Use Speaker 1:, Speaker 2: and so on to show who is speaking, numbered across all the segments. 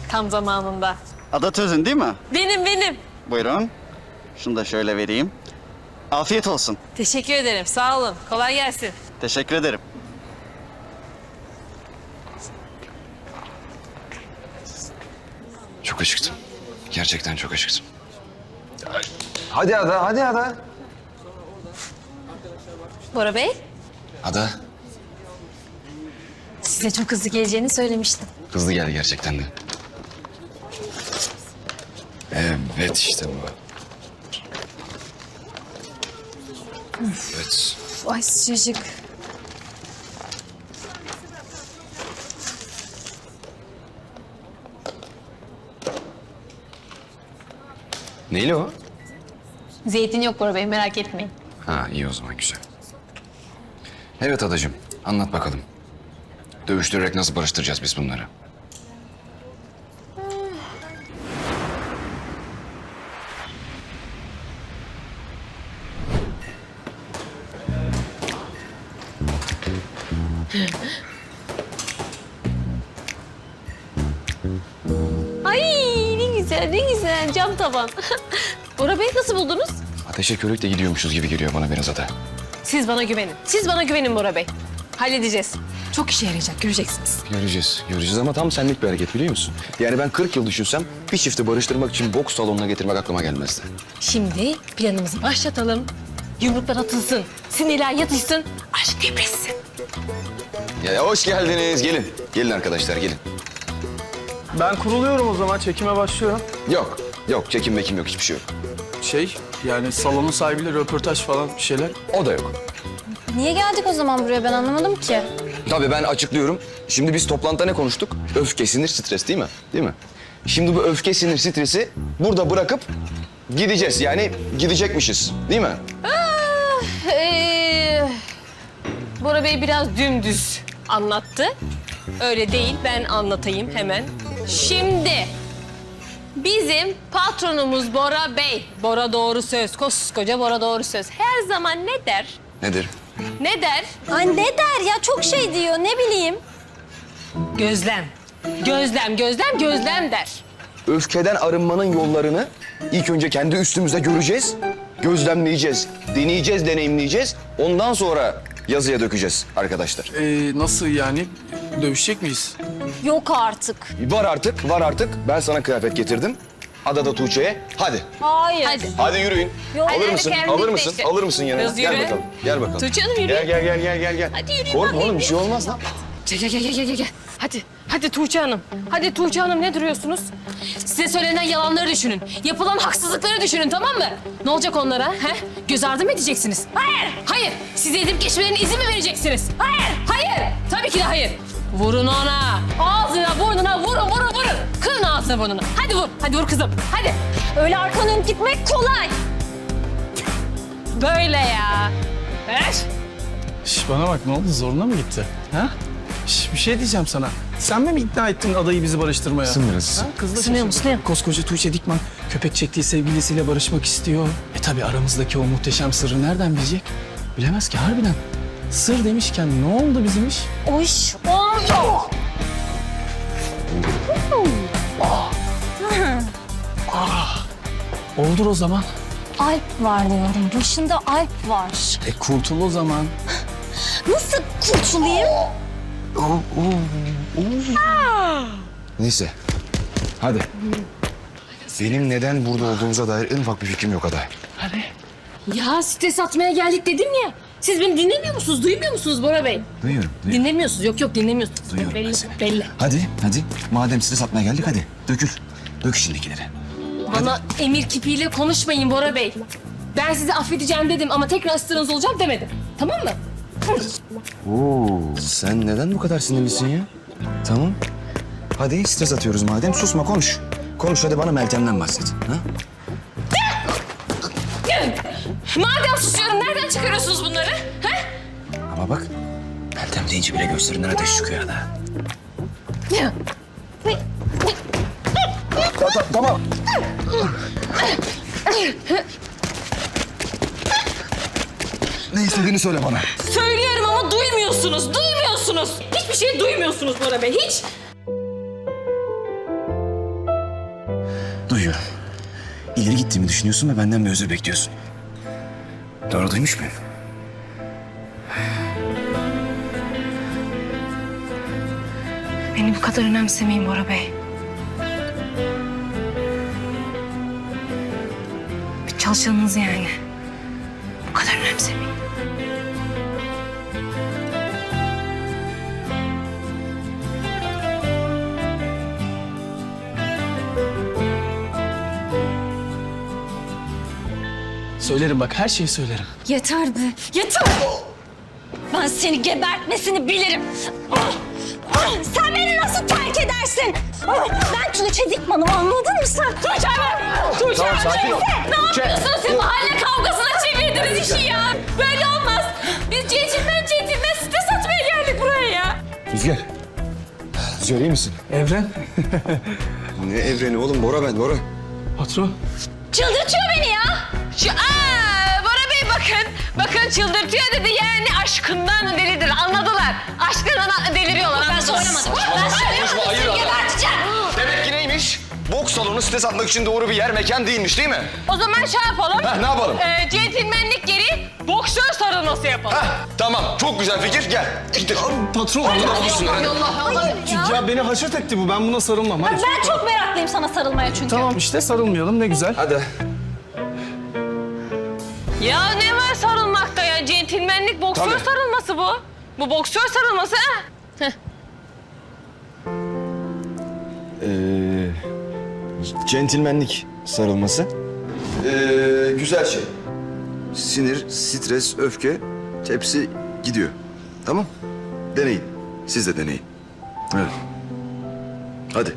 Speaker 1: Tam zamanında.
Speaker 2: Ada Tözün değil mi?
Speaker 1: Benim.
Speaker 2: Buyurun. Şunu da şöyle vereyim. Afiyet olsun.
Speaker 1: Teşekkür ederim. Sağ olun. Kolay gelsin.
Speaker 2: Teşekkür ederim.
Speaker 3: Çok acıktım. Gerçekten çok acıktım.
Speaker 4: Hadi Ada, hadi Ada.
Speaker 1: Bora Bey,
Speaker 3: Ada,
Speaker 1: size çok hızlı geleceğini söylemiştim.
Speaker 3: hızlı gel gerçekten de. Evet işte bu. Evet.
Speaker 1: Ay sıcacık.
Speaker 3: Neyli o?
Speaker 1: Zeytin yok Bora Bey, merak etmeyin.
Speaker 3: Ha iyi o zaman güzel. Evet adacığım anlat bakalım. Dövüştürerek nasıl barıştıracağız biz bunları?
Speaker 1: Ay ne güzel cam tavan. Bora Bey nasıl buldunuz?
Speaker 3: Ateşe körükle gidiyormuşuz gibi geliyor bana biraz Ada.
Speaker 1: Siz bana güvenin Bora Bey. Halledeceğiz. Çok işe yarayacak, göreceksiniz.
Speaker 3: Göreceğiz ama tam senlik bir hareket biliyor musun? Yani ben 40 yıl düşünsem bir çifti barıştırmak için boks salonuna getirmek aklıma gelmezdi.
Speaker 1: Şimdi planımızı başlatalım. Yumruklar atılsın, sinirler yatışsın, aşk depresin.
Speaker 3: Ya hoş geldiniz gelin. Gelin arkadaşlar gelin.
Speaker 5: Ben kuruluyorum o zaman, çekime başlıyorum.
Speaker 3: Yok çekim mekim yok hiçbir şey yok.
Speaker 5: Yani salonun sahibiyle röportaj falan bir şeyler.
Speaker 3: O da yok.
Speaker 6: Niye geldik o zaman buraya ben anlamadım ki.
Speaker 3: Tabii ben açıklıyorum. Şimdi biz toplantıda ne konuştuk? Öfke, sinir, stres değil mi? Değil mi? Şimdi bu öfke, sinir, stresi burada bırakıp gideceğiz. Yani gidecekmişiz. Değil mi?
Speaker 1: Bora Bey biraz dümdüz anlattı. Öyle değil, ben anlatayım hemen. Şimdi bizim patronumuz Bora Bey. Bora doğru söz, koskoca Bora doğru söz. Her zaman ne der?
Speaker 3: Nedir?
Speaker 1: Ne der?
Speaker 6: Ay ne der ya çok şey diyor ne bileyim.
Speaker 1: Gözlem. Gözlem der.
Speaker 3: Öfkeden arınmanın yollarını ilk önce kendi üstümüzde göreceğiz. Gözlemleyeceğiz, deneyeceğiz, deneyimleyeceğiz. Ondan sonra yazıya dökeceğiz arkadaşlar.
Speaker 5: Nasıl yani? Dövüşecek miyiz?
Speaker 6: Yok artık.
Speaker 3: Var artık. Ben sana kıyafet getirdim. Ada da Tuğçe'ye. Hadi.
Speaker 6: Hayır.
Speaker 1: Hadi.
Speaker 3: Hadi yürüyün.
Speaker 6: Yok.
Speaker 3: Alır
Speaker 1: Hadi,
Speaker 3: mısın?
Speaker 1: hadi,
Speaker 3: Alır
Speaker 1: kendin
Speaker 3: mısın?
Speaker 1: işte.
Speaker 3: Alır mısın yanına?
Speaker 1: Biraz
Speaker 3: Gel
Speaker 1: yürü.
Speaker 3: bakalım. Gel bakalım.
Speaker 1: Tuğçe Hanım yürü.
Speaker 3: Gel.
Speaker 1: Hadi yürüyün
Speaker 3: Korkma
Speaker 1: bakayım.
Speaker 3: oğlum bir şey olmaz lan.
Speaker 1: Gel. Hadi Tuğçe Hanım. Hadi Tuğçe Hanım ne duruyorsunuz? Size söylenen yalanları düşünün. Yapılan haksızlıkları düşünün tamam mı? Ne olacak onlara? He? Göz ardı mı edeceksiniz? Hayır. Size edip geçmelerine izin mi vereceksiniz? Hayır. Tabii ki de hayır. Vurun ona. Ağzına, burnuna vurun. Kırın ağzına burnunu. Hadi vur kızım. Hadi.
Speaker 6: Öyle arkanı dönüp gitmek kolay.
Speaker 1: Böyle ya. Ver.
Speaker 5: Bana bak ne oldu zoruna mı gitti? Ha? Bir şey diyeceğim sana. Sen mi ikna ettin adayı bizi barıştırmaya?
Speaker 3: Sınırız.
Speaker 5: Ha? Kızla
Speaker 1: Sınıyor mu,
Speaker 5: şaşırdım.
Speaker 1: sınıyor?
Speaker 5: Koskoca Tuğçe Dikman köpek çektiği sevgilisiyle barışmak istiyor. Tabii aramızdaki o muhteşem sırrı nereden bilecek? Bilemez ki harbiden. Sır demişken ne oldu bizim iş?
Speaker 6: O iş oldu.
Speaker 5: Oldur o zaman.
Speaker 6: Alp var diyorum. Başında Alp var.
Speaker 5: Kurtul o zaman.
Speaker 6: Nasıl kurtulayım?
Speaker 3: Neyse. Hadi. Benim neden burada olduğumuza dair en ufak bir fikrim yok Ada.
Speaker 1: Ya stres atmaya geldik dedim ya. Siz beni dinlemiyor musunuz? Duymuyor musunuz Bora Bey?
Speaker 3: Duyuyorum.
Speaker 1: Dinlemiyorsunuz. Yok dinlemiyorsunuz.
Speaker 3: Duyuyorum ben
Speaker 1: belli,
Speaker 3: seni.
Speaker 1: belli.
Speaker 3: Hadi. Madem size satmaya geldik hadi. Dökül. Dök içindekileri.
Speaker 1: Bana emir kipiyle konuşmayın Bora Bey. Ben sizi affedeceğim dedim ama tekrar ısrarınız olacak demedim. Tamam mı?
Speaker 3: Oo, sen neden bu kadar sinirlisin ya? Tamam. Hadi stres atıyoruz madem. Susma konuş. Konuş hadi bana Meltem'den bahset. Ha?
Speaker 1: Madem susuyorum nereden çıkarıyorsunuz bunları? Ha?
Speaker 3: Ama bak Meltem deyince bile gözlerinden ateş çıkıyor Ada. Tamam. Ne istediğini söyle bana.
Speaker 1: Söylüyorum ama duymuyorsunuz. Hiçbir şey duymuyorsunuz Bora Bey. Hiç.
Speaker 3: çekiyorum. İleri gittiğimi düşünüyorsun ve benden bir özür bekliyorsun. Doğru duymuş muyum?
Speaker 1: Beni bu kadar önemsemeyin Bora Bey. Bir çalışanınız yani. Bu kadar önemsemeyin.
Speaker 5: Söylerim bak, her şeyi söylerim.
Speaker 6: Yeter be, yeter! Ben seni gebertmesini bilirim. Sen beni nasıl terk edersin? Ben Tuğçe Dikman'ım, anladın mı sen? Tuğçe mi? Tuğçe
Speaker 3: Tamam, sakin ol.
Speaker 1: Ne yapıyorsunuz siz? Mahalle kavgasına çevirdiniz işi ya. Böyle olmaz. Biz centilmen site satmaya geldik buraya ya.
Speaker 3: Rüzgar. Rüzgar iyi misin?
Speaker 5: Evren.
Speaker 3: Ne evreni oğlum? Bora ben, Bora.
Speaker 5: Patron.
Speaker 6: Çıldırtıyor beni ya.
Speaker 1: Bora Bey bakın. Bakın çıldırtıyor dedi yani aşkından delidir. Anladılar. Aşkından deliriyorlar.
Speaker 6: Ben söylemadım. Ben söylemadım.
Speaker 3: hayır
Speaker 6: Seni
Speaker 3: adam.
Speaker 6: geberteceğim.
Speaker 3: Demek ki neymiş? Boks salonu site satmak için doğru bir yer, mekan değilmiş değil mi?
Speaker 1: O zaman şey yapalım.
Speaker 3: Heh, ne yapalım?
Speaker 1: Centilmenlik geri boksör sarılması yapalım.
Speaker 3: Heh, tamam. Çok güzel fikir. Gel. İttir.
Speaker 5: Patron. Ya beni haşet etti bu. Ben buna sarılmam. Hadi.
Speaker 6: Ben çok meraklıyım sana sarılmaya çünkü.
Speaker 5: Tamam işte, sarılmayalım, ne güzel.
Speaker 3: Hadi.
Speaker 1: Ya ne var sarılmakta ya? Centilmenlik boksör
Speaker 3: Tabii.
Speaker 1: sarılması bu. Bu boksör sarılması ha? Heh.
Speaker 3: Centilmenlik sarılması. Güzel şey. Sinir, stres, öfke hepsi gidiyor. Tamam? Deneyin. Siz de deneyin. Evet. Hadi.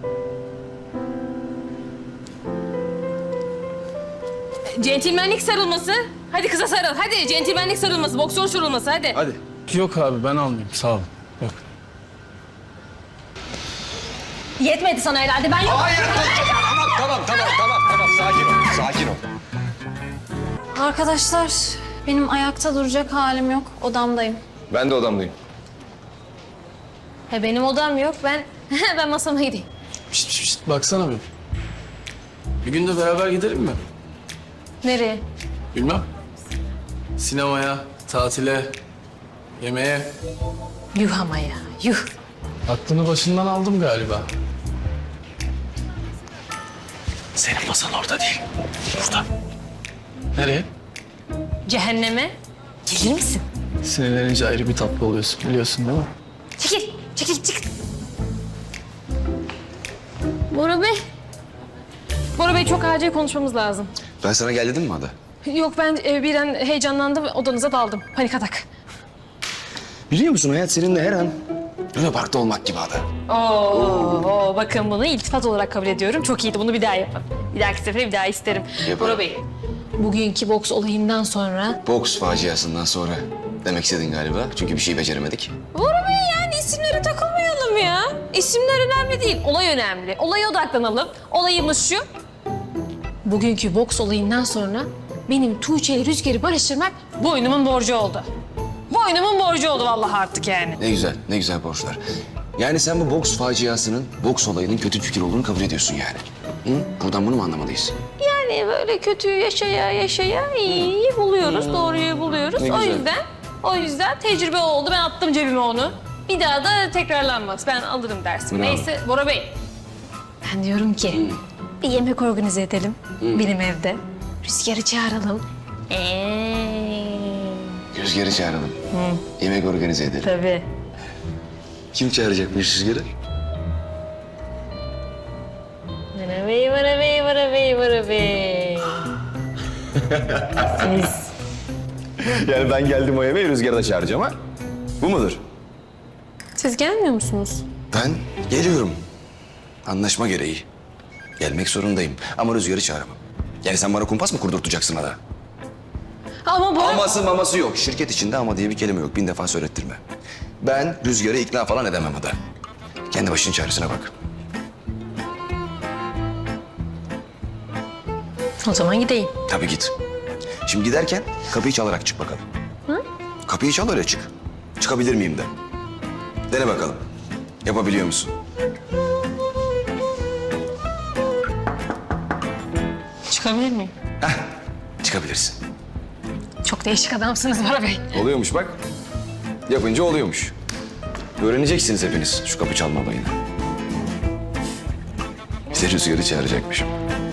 Speaker 1: Centilmenlik sarılması. Hadi kıza sarıl. Hadi centilmenlik sarılması, boksör sarılması hadi.
Speaker 3: Hadi.
Speaker 5: Yok abi, ben almayayım, sağ olun. Yok.
Speaker 6: Yetmedi sana herhalde. Ben yok.
Speaker 3: Hayır. Tamam. Sakin ol. Sakin ol.
Speaker 6: Arkadaşlar, benim ayakta duracak halim yok. Odamdayım.
Speaker 3: Ben de odamdayım.
Speaker 1: Benim odam yok. Ben masama gideyim.
Speaker 5: Şişt, baksana bir. Bir gün de beraber gidelim mi?
Speaker 1: Nereye?
Speaker 5: Bilmem. Sinemaya, tatile, yemeğe.
Speaker 1: Yuh ama ya. Yuh.
Speaker 5: Aklını başından aldım galiba. Senin masan orada değil. Burada. Nereye?
Speaker 1: Cehenneme. Gelir misin?
Speaker 5: Sinirlenince ayrı bir tatlı oluyorsun, biliyorsun değil mi?
Speaker 1: Çekil. Bora Bey. Bora Bey çok acil konuşmamız lazım.
Speaker 3: Ben sana gel dedim mi Ada?
Speaker 1: Yok ben birden heyecanlandım odanıza daldım. Panik atak.
Speaker 3: Biliyor musun hayat seninle her an Luna Park'ta olmak gibi Ada.
Speaker 1: Oo, bakın bunu iltifat olarak kabul ediyorum. Çok iyiydi. Bunu bir daha yapın. Bir dahaki sefere bir daha isterim.
Speaker 3: Yaparım.
Speaker 1: Bora Bey, bugünkü boks olayından sonra...
Speaker 3: Boks faciasından sonra demek istedin galiba. Çünkü bir şey beceremedik.
Speaker 1: Bora Bey yani isimlere takılmayalım ya. İsimler önemli değil. Olay önemli. Olaya odaklanalım. Olayımız şu. Bugünkü boks olayından sonra benim Tuğçe ile Rüzgar'ı barıştırmak boynumun borcu oldu. Boynumun borcu oldu vallahi artık yani.
Speaker 3: Ne güzel borçlar. Yani sen bu boks faciasının, boks olayının kötü fikir olduğunu kabul ediyorsun yani. Hı? Buradan bunu mu anlamalıyız?
Speaker 1: Yani böyle kötüyü yaşaya iyiyi buluyoruz, doğruyu buluyoruz.
Speaker 3: Ne güzel.
Speaker 1: O yüzden tecrübe oldu. Ben attım cebime onu. Bir daha da tekrarlanmaz. Ben alırım dersimi.
Speaker 3: Bravo.
Speaker 1: Neyse Bora Bey. Ben diyorum ki bir yemek organize edelim benim evde. Rüzgar'ı çağıralım.
Speaker 3: Rüzgar'ı çağıralım. Yemek organize edelim.
Speaker 1: Tabii.
Speaker 3: Kim çağıracakmış Rüzgar'ı?
Speaker 1: Vara bey. Siz.
Speaker 3: Yani ben geldim o yemeği Rüzgar'ı da çağıracağım ha? Bu mudur?
Speaker 1: Siz gelmiyor musunuz?
Speaker 3: Ben geliyorum. Anlaşma gereği. Gelmek zorundayım ama Rüzgar'ı çağıramam. Yani sen bana kumpas mı kurdurtacaksın Ada?
Speaker 1: Ama Bora...
Speaker 3: Aması maması yok. Şirket içinde ama diye bir kelime yok. 1000 defa söylettirme. Ben Rüzgar'ı ikna falan edemem Ada. Kendi başının çaresine bak.
Speaker 1: O zaman gideyim.
Speaker 3: Tabii git. Şimdi giderken kapıyı çalarak çık bakalım. Hı? Kapıyı çal öyle çık. Çıkabilir miyim de. Dene bakalım. Yapabiliyor musun?
Speaker 1: Çıkabilir miyim?
Speaker 3: Çıkabilirsin.
Speaker 1: Çok değişik adamsınız Bora Bey.
Speaker 3: Oluyormuş bak. Yapınca oluyormuş. Öğreneceksiniz hepiniz şu kapı çalma olayını. Bize Rüzgar'ı çağıracakmışım.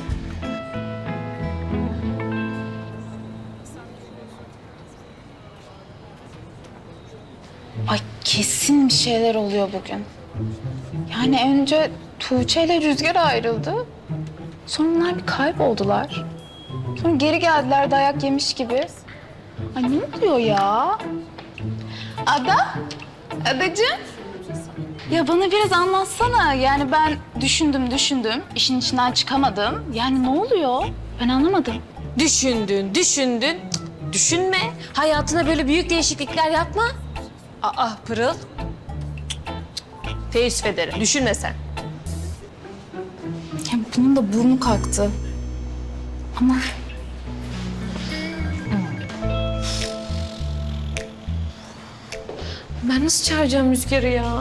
Speaker 7: Ay kesin bir şeyler oluyor bugün. Yani önce Tuğçe ile Rüzgar ayrıldı. Sonra onlar bir kayboldular. Sonra geri geldiler dayak yemiş gibi. Ay ne oluyor ya? Ada? Adacığım? Ya bana biraz anlatsana. Yani ben düşündüm, işin içinden çıkamadım. Yani ne oluyor? Ben anlamadım.
Speaker 1: Düşündün. Cık, düşünme. Hayatına böyle büyük değişiklikler yapma. Aa Pırıl. Teessüf ederim. Düşünme sen.
Speaker 7: Ya bunun da burnu kalktı. Ama
Speaker 1: Ben nasıl çağıracağım Rüzgar'ı ya?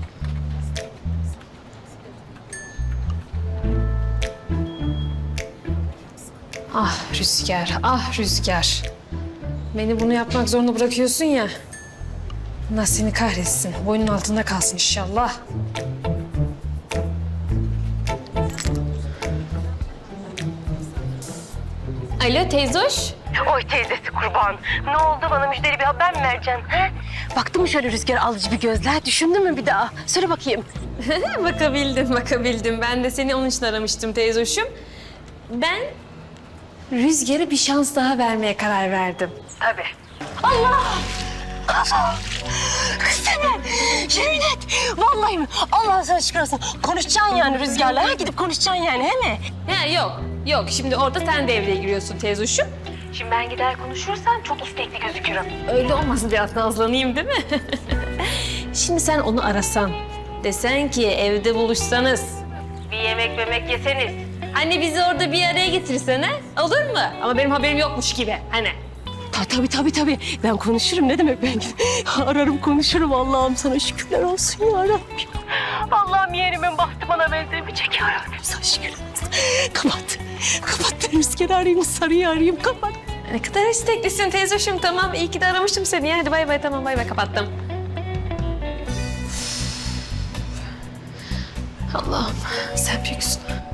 Speaker 1: Ah Rüzgar, ah Rüzgar. Beni bunu yapmak zorunda bırakıyorsun ya. Allah seni kahretsin. Boynun altında kalsın inşallah. Alo teyzoş.
Speaker 8: Oy teyzesi kurban. Ne oldu, bana müjdeli bir haber mi vereceksin? He? Baktın mı şöyle rüzgar alıcı bir gözler? Düşündün mü bir daha? Söyle bakayım.
Speaker 1: Bakabildim. Ben de seni onun için aramıştım teyzoşum. Ben Rüzgar'a bir şans daha vermeye karar verdim.
Speaker 8: Tabii. Yemin et. Vallahi mi? Allah sana şükür olsun. Konuşacaksın yani Rüzgar'la. Ha? Gidip konuşacaksın yani, he mi?
Speaker 1: Ha yok. Şimdi orada sen devreye giriyorsun teyzoşum.
Speaker 8: Şimdi ben gider konuşursam çok istekli gözükürüm.
Speaker 1: Öyle olmasın biraz nazlanayım değil mi? Şimdi sen onu arasan, desen ki evde buluşsanız, bir yemek yeseniz. Hani bizi orada bir araya getirsene, olur mu? Ama benim haberim yokmuş gibi, hani.
Speaker 8: Tabii. Ben konuşurum. Ne demek ben? Ararım konuşurum. Allah'ım sana şükürler olsun ya Rabbim. Allah'ım yeğenimin bahtı bana benzemeyecek ya Rabbim. Sana şükürler olsun. Kapat. Ben Rüzgar'ı arayayım, Sarı'yı arayayım. Kapat.
Speaker 1: Ne kadar isteklisin teyzoşum, tamam. İyi ki de aramıştım seni. Hadi bay bay, tamam bay bay, kapattım. Allah'ım sen büyüksün.